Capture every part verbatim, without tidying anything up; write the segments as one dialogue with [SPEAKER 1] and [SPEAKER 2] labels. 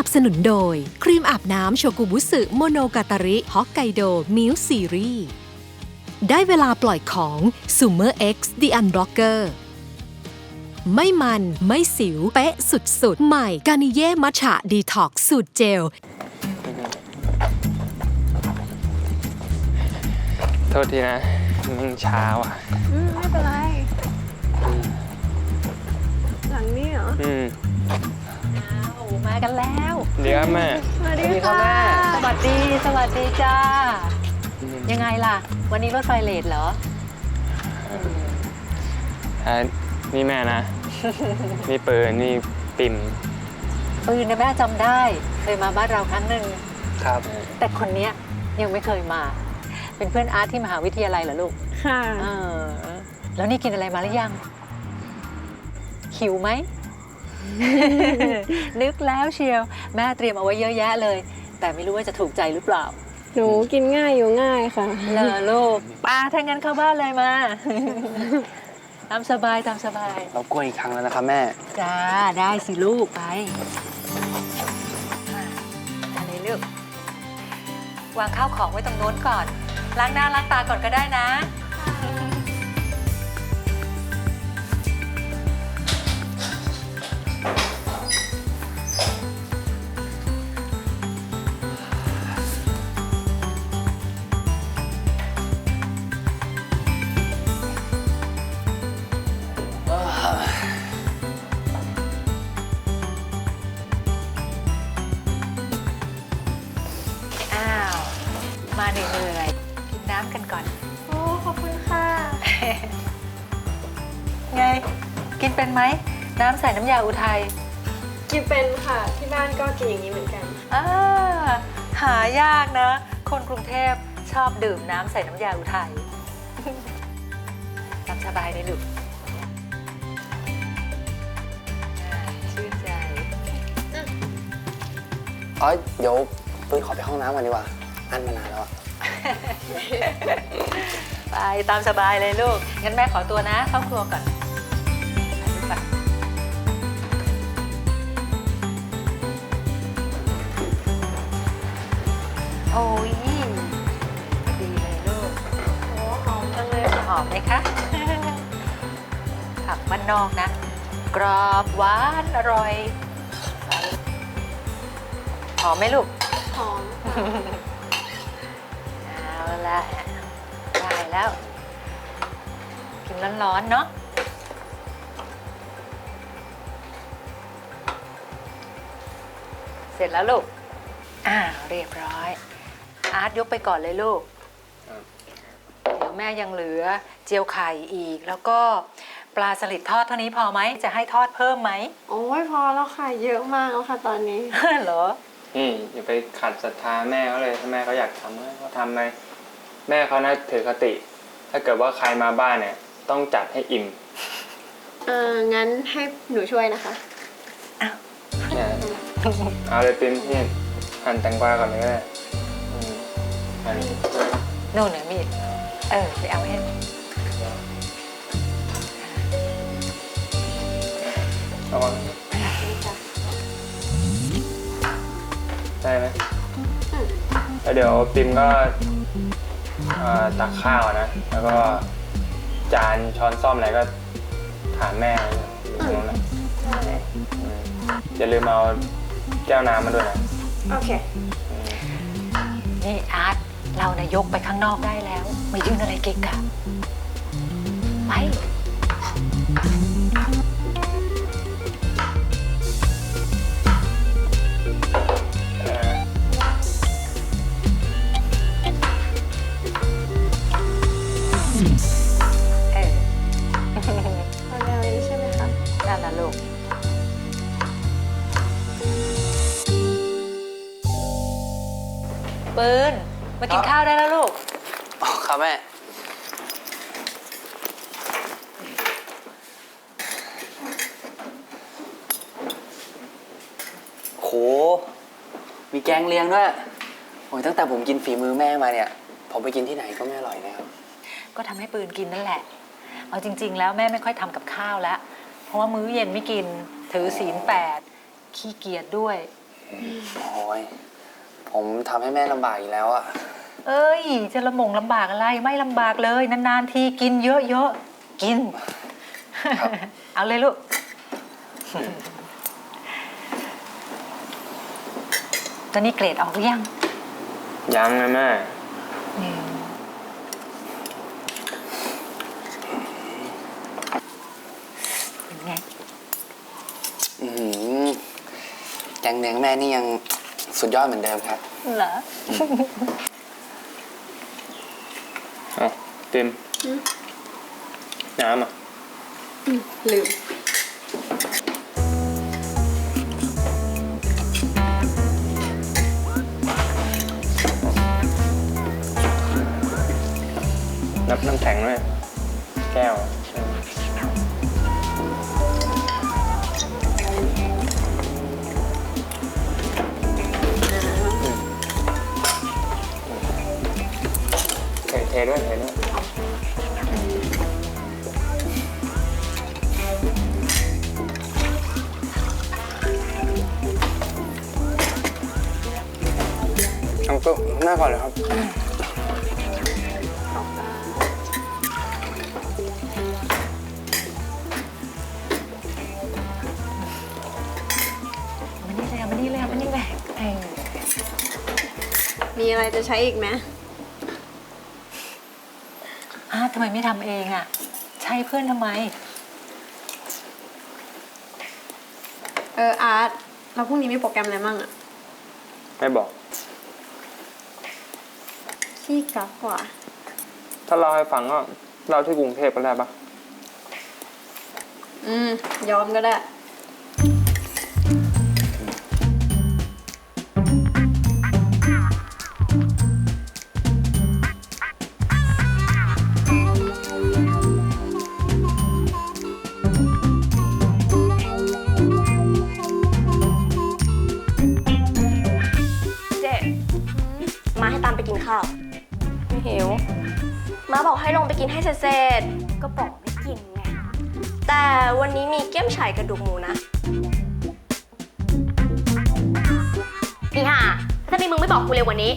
[SPEAKER 1] นับสนุนโดยครีมอาบน้ำโชกุบุสึโมโนกาตาริฮอกไกโดมิลซีรีส์ได้เวลาปล่อยของ Summer X The Unblocker ไม่มันไม่สิวเป๊ะสุดๆใหม่กานิเย่มัทฉะดีท็อกซ์สูตรเจล
[SPEAKER 2] โทษทีนะมึงช้าว่ะ
[SPEAKER 3] อืมไม่เป็นไรหลังนี้เหรอ
[SPEAKER 2] อืม
[SPEAKER 4] โอ้มากันแล้ว
[SPEAKER 2] เดี๋ยวแม่
[SPEAKER 3] สวัสดีค่ะ
[SPEAKER 4] สวัสดีสวัสดีจ้ายังไงล่ะวันนี้รถไฟเลทเหรอ
[SPEAKER 2] อ่านี่แม่นะ นี่เปิดนี่ปิ่ม
[SPEAKER 4] ปืนเนี่ยแม่จำได้เคยมาบ้านเราครั้งหนึ่ง
[SPEAKER 2] ครับ
[SPEAKER 4] แต่คนเนี้ยยังไม่เคยมาเป็นเพื่อนอาร์ตที่มหาวิทยาลัยเหรอลูก
[SPEAKER 3] ค่ะ
[SPEAKER 4] เออแล้วนี่กินอะไรมาหรือยังหิวไหม นึกแล้วเชียวแม่เตรียมเอาไว้เยอะแยะเลยแต่ไม่รู้ว่าจะถูกใจหรือเปล่า
[SPEAKER 3] หนูกินง่ายอยู่ง่ายค่ะ
[SPEAKER 4] เลอลูกป้าถ้างั้นเข้าบ้านเลยมา ตามสบายตามสบาย
[SPEAKER 2] เรากล้วยอีกครั้งแล้วนะครับแม่
[SPEAKER 4] จ้าได้สิลูกไปอะไรลูกวางข้าวของไว้ตรงโน้นก่อนล้างหน้าล้างตาก่อนก็ได้นะมาเหนื่อยๆกินน้ำกันก่อน
[SPEAKER 3] โอ้ขอบคุณค่ะ
[SPEAKER 4] ไงกินเป็นไหมน้ำใส่น้ำยาอุทัย
[SPEAKER 3] กินเป็นค่ะที่บ้านก็กินอย่างนี้เหมือนกัน
[SPEAKER 4] อ่าหายากนะคนกรุงเทพชอบดื่มน้ำใส่น้ำยาอุทัยตามสบายเลยลูกชื่นใจ
[SPEAKER 5] อ๋อเดี๋ยวปืนขอไปห้องน้ำก่อนดีกว่าอันมานานแล้วอะ
[SPEAKER 4] ไปตามสบายเลยลูกงั้นแม่ขอตัวนะเข้าครัวก่อนไปโอ้ยดีเลยลูก
[SPEAKER 3] โอ้หอมจังเลย
[SPEAKER 4] หอมไหมคะผักบ้านนอกนะกรอบหวานอร่อยหอมไหมลูก
[SPEAKER 3] หอม
[SPEAKER 4] เอาละได้แล้วกินร้อนๆเนาะเสร็จแล้วลูกอ่าเรียบร้อยอาร์ตยกไปก่อนเลยลูกเดี๋ยวแม่ยังเหลือเจียวไข่อีกแล้วก็ปลาสลิดทอดเท่านี้พอไหมจะให้ทอดเพิ่มไหม
[SPEAKER 3] โอ้ยพอแล้วค่ะเยอะมากแล้วค่ะตอนนี้
[SPEAKER 4] เหรอ
[SPEAKER 2] นี่อย่าไปขัดศรัทธาแม่เขาเลยถ้าแม่เขาอยากทำเขาทำไหมแม่เขาน่าถือคติถ้าเกิดว่าใครมาบ้านเนี่ยต้องจัดให้อิ่ม
[SPEAKER 3] เอองั้นให้หนูช่วยนะคะ
[SPEAKER 4] อ้าว
[SPEAKER 2] เอาเลยปิ่มพี่หั่นแตงกวาก่อนเลยก็ได้หั่น
[SPEAKER 4] โน่นเหนือมีดเออไปเอาให้
[SPEAKER 2] ระวังได้ไหมแล้วเดี๋ยวปิ่มก็ตักข้าวนะแล้วก็จานช้อนซ่อมอะไรก็ถามแม่อยู่ตรงนั้นนะอย่าลืมเอาแก้วน้ำมาด้วยนะ
[SPEAKER 3] โอเค
[SPEAKER 4] นี่อาร์ตเรานะยกไปข้างนอกได้แล้วไม่ยืนอะไรเก๊กอะไปปืนมากินข้าวได้แล้วลูก
[SPEAKER 5] อ๋อครับแม่โหมีแกงเลียงด้วยโอ้ยตั้งแต่ผมกินฝีมือแม่มาเนี่ยผมไปกินที่ไหนก็ไม่อร่อยนะครับ
[SPEAKER 4] ก็ทำให้ปืนกินนั่นแหละเอาจริงๆแล้วแม่ไม่ค่อยทำกับข้าวแล้วเพราะว่ามื้อเย็นไม่กินถือศีลแปดขี้เกียจด้วย
[SPEAKER 5] โอ้ยผมทำให้แม่ลำบากอีกแล้วอะ
[SPEAKER 4] เอ้ย จะลำบงลำบากอะไรไม่ลำบากเลย นานๆทีกินเยอะๆกิน เอาเลยลูก ตอนนี้เกรดออกหรือยัง
[SPEAKER 2] ยังนะแม่
[SPEAKER 4] อืมเป็นไง
[SPEAKER 5] อื้อหือแกงเนื้อแม่นี่ยังสุดยอดเหมือนเดิมครับ
[SPEAKER 4] เหรอ
[SPEAKER 2] เอาติมน้ำอ่ะ
[SPEAKER 3] ลืม
[SPEAKER 2] น้ำน้ำแข็งด้วยแก้วเทเทด้วยเทด้วยเอาก็หน้าก่อนเลยครับ
[SPEAKER 4] มานี่เลยมานี่เลยมานี่เลยเออ
[SPEAKER 3] มีอะไรจะใช้อีกไหม
[SPEAKER 4] อ้าวทำไมไม่ทำเองอ่ะ ใช้เพื่อนทำไม
[SPEAKER 3] เอออาร์ตแล้วพรุ่งนี้มีโปรแกรมอะไรมั่งอะ
[SPEAKER 2] ไม่บอก
[SPEAKER 3] ขี้กักกว่า
[SPEAKER 2] ถ้าเล่าให้ฟังก็เล่าที่กรุงเทพก็ได้ปะ
[SPEAKER 3] อืม ยอมก็ได้
[SPEAKER 6] เจ๊มาให้ตามไปกินข้าว ไม่หิว มาบอกให้ลงไปกินให้เสร็จๆก็บอกไม่กินไง แต่วันนี้มีเกี๊ยมฉ่ายกระดูกหมูนะอีห่าถ้ามีมึงไม่บอกกูเร็วกว่านี้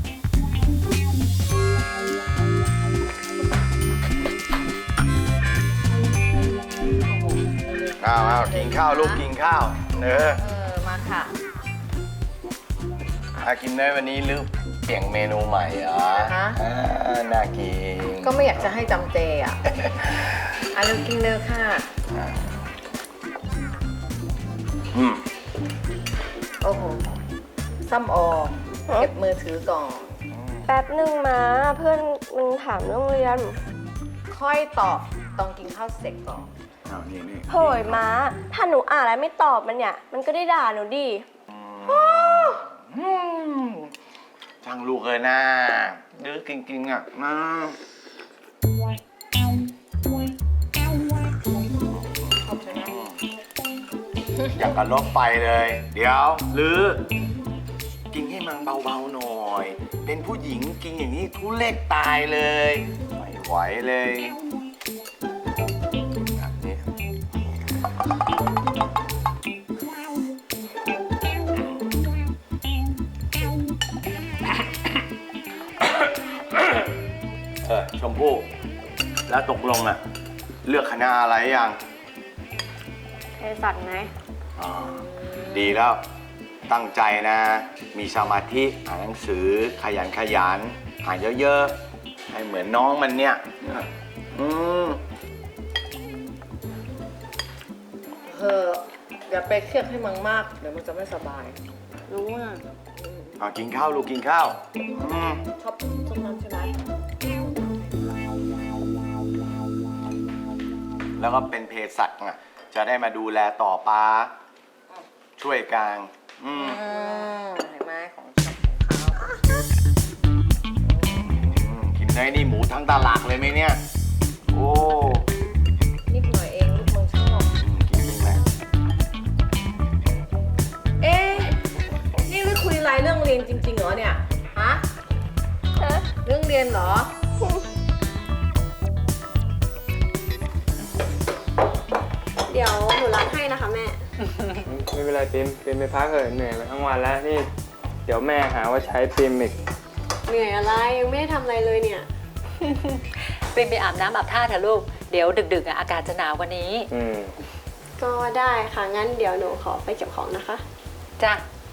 [SPEAKER 7] อ้าวอ้าวกินข้าวลูกกินข้าวเนอ
[SPEAKER 4] เออ มาค่ะ
[SPEAKER 7] อากินเนยวันนี้ลืมเปลี่ยนเมนูใหม่เหรอ
[SPEAKER 8] ฮะ
[SPEAKER 7] อ่าน่ากิน
[SPEAKER 8] ก็ไม่อยากจะให้จำเจอ่ะ อ่ะเร็วกินเร็วค่ะ
[SPEAKER 7] อืม
[SPEAKER 8] โอ้โห ซ้ำออกเก็บมือถือก่อน
[SPEAKER 6] แป๊บหนึ่งมาเพื่อนมึงถามเรื่องเรียน
[SPEAKER 8] ค่อยตอบต้องกินข้าวเสร็จก่อน
[SPEAKER 7] อ้าวนี่นี่
[SPEAKER 6] เฮ้ยม้า ถ้าหนูอ่านแล้วไม่ตอบมันเนี่ย มันก็ได้ด่าหนูดิ
[SPEAKER 7] อืมช่างลูกเลยนะดื้อจริงๆอ่ะนะอยากกับรถไฟเลย เดี๋ยวหรือ กินให้มันเบาๆหน่อย เป็นผู้หญิงกินอย่างนี้ทุเล็กตายเลย ไม่ไหวเลยแบบนี้ เออชมพู่ แล้วตกลงอะเลือกคณะอะไรยัง
[SPEAKER 6] เภสัชไง
[SPEAKER 7] อ๋อดีแล้วตั้งใจนะ มีสมาธิอ่านหนังสือขยันขยันอ่านเยอะๆ ให้เหมือนน้องมันเนี่ยอืม
[SPEAKER 8] เธออย่าไปเครียดให้มึงมาก เดี๋ยวมึงจะไม่สบาย รู้อ่ะ
[SPEAKER 7] เอากินข้าวลูกกินข้าวอืม
[SPEAKER 8] ชอบส้มน้ำใช่ไหม
[SPEAKER 7] แล้วก็เป็นเภสัชอ่ะจะได้มาดูแลต่อปลาช่วยกลางอืม
[SPEAKER 8] อืมเห็นไหมของชอบของเขา
[SPEAKER 7] อืมกินได้นี่หมูทั้งตลาดเลยไหมเนี่ย โอ้
[SPEAKER 8] นิดหน่อยเองลูกมึงชอบ
[SPEAKER 7] อืมกินจริงไหม
[SPEAKER 8] เอ๊ะ นี่ไม่คุยอะไรเรื่องเรียนจริงๆเหรอเนี่ย ฮะ เรื่องเรียนเหรอ
[SPEAKER 3] เดี๋ยวหนูรับให้นะคะแม่
[SPEAKER 2] ไม่เป็นไรเป็นไรปิมปิมไปพักเถอะเหนื่อยมาทั้งวันแล้วนี่เดี๋ยวแม่หาว่าใช้ปิมอีก
[SPEAKER 3] เหนื่อยอะไรยังไม่ได้ทำอะไรเลยเนี่ย
[SPEAKER 4] ปริมไปอาบน้ำอาบท่าเถอะลูก เดี๋ยวดึกๆอ่ะอากาศจะหนาวกว่านี้
[SPEAKER 2] อืม
[SPEAKER 3] ก็ได้ค่ะ งั้นเดี๋ยวหนูขอไปเก็บของนะคะ
[SPEAKER 4] จ้ะ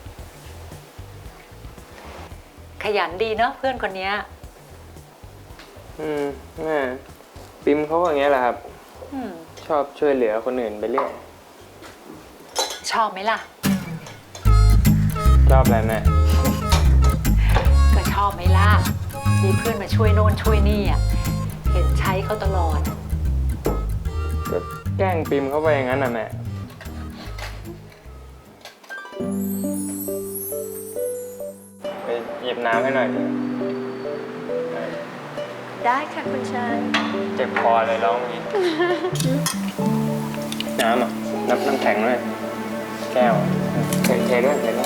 [SPEAKER 4] ขยันดีเนาะเพื่อนคนเนี้ย
[SPEAKER 2] อืมแม่ปิมเขาก็อย่างเงี้ยแหละครับ
[SPEAKER 4] อืม
[SPEAKER 2] ชอบช่วยเหลือคนอื่นไปเรื่อย
[SPEAKER 4] ชอบไหมล่ะ
[SPEAKER 2] ชอบอะไรแม่
[SPEAKER 4] ก็ชอบไหมล่ะ มีเพื่อนมาช่วยโน่นช่วยนี่อ่ะ เห็นใช้เขาตลอด
[SPEAKER 2] ก็แกล้งปิมเข้าไปอย่างนั้นน่ะแม่ไปหยิบน้ำให้หน่อยดิ
[SPEAKER 6] ได้ค่ะคุณชาย
[SPEAKER 2] เจ็บคอเลยร้องอย่างนี้ น้ำอ่ะน้ำน้ำแข็งด้วยแก้วเทเทด้วยเทด้วย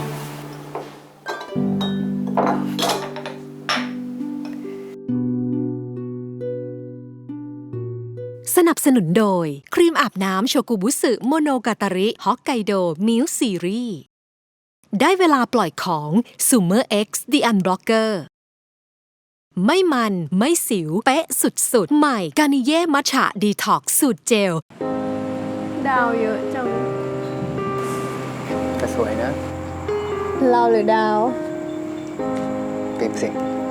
[SPEAKER 1] สนับสนุนโดย ครีมอาบน้ำโชกุบุสึโมโนกาตาริฮอกไกโดมิลซีรีส์ได้เวลาปล่อยของ Summer X The Unblocker ไม่มันไม่สิว เป๊ะสุดๆ ใหม่กานิเย่มัทฉะดีท็อกสูตรเจล
[SPEAKER 3] ดาวเยอะจัง
[SPEAKER 5] ก็สวยนะ
[SPEAKER 3] เราหรือดาว
[SPEAKER 5] ปิมสิ